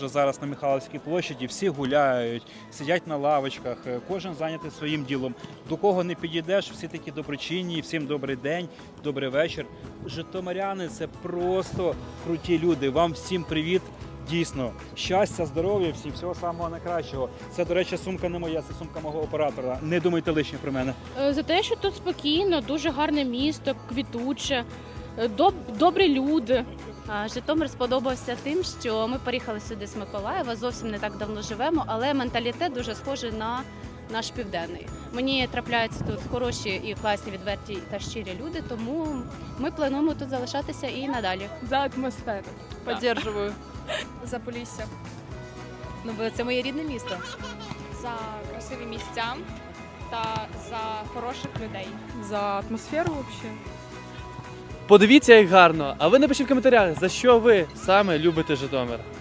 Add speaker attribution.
Speaker 1: Зараз на Михайлівській площаді всі гуляють, сидять на лавочках, кожен зайнятий своїм ділом. До кого не підійдеш, всі такі доброчинні, всім добрий день, добрий вечір. Житомиряни – це просто круті люди. Вам всім привіт. Дійсно, щастя, здоров'я, всім, всього самого найкращого. Це, до речі, сумка не моя, це сумка мого оператора. Не думайте лишнє про мене.
Speaker 2: За те, що тут спокійно, дуже гарне місто, квітуче, добрі люди.
Speaker 3: Житомир сподобався тим, що ми переїхали сюди з Миколаєва, зовсім не так давно живемо, але менталітет дуже схожий на наш південний. Мені трапляються тут хороші і класні, відверті та щирі люди, тому ми плануємо тут залишатися і надалі.
Speaker 4: За атмосферу. Поддерживаю.
Speaker 5: За Полісся.
Speaker 3: Ну, бо це моє рідне місто.
Speaker 5: За красиві місця та за хороших людей.
Speaker 4: За атмосферу вообще.
Speaker 6: Подивіться, як гарно. А ви напишіть в коментарях, за що ви саме любите Житомир.